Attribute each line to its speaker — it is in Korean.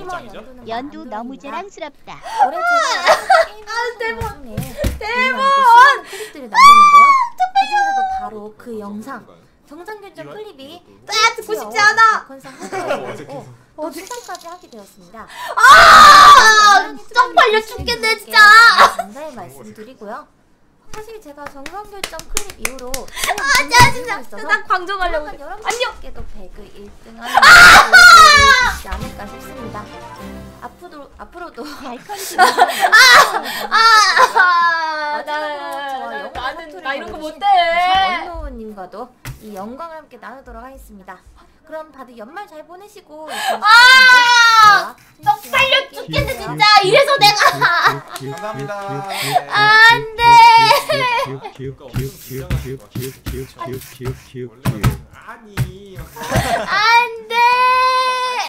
Speaker 1: 연두 너무 자랑스럽다.
Speaker 2: 올해 제가
Speaker 3: 대본!
Speaker 2: 대본! 클립들을 남겼는데요. 그중에서도 바로 그 영상 정상결정 클립이
Speaker 3: 듣고 싶지 않아!
Speaker 2: 컨상 후보에 또 수상까지 하게 되었습니다.
Speaker 3: 쪽팔려 죽겠네 진짜!
Speaker 2: 감사의 말씀드리고요. 사실 제가 정상결정 클립 이후로
Speaker 3: 진짜 나 방송하려고 그래.
Speaker 2: 여러분께도 배그 1등 하는 수 있지 않을까 싶습니다. 앞으로도
Speaker 3: 나 이런 거 못해.
Speaker 2: 원노우님과도 이 영광을 함께 나누도록 하겠습니다. 그럼 다들 연말 잘 보내시고
Speaker 3: 쪽팔려 죽겠네 진짜. 이래서 내가
Speaker 4: 감사합니다.
Speaker 3: 안돼.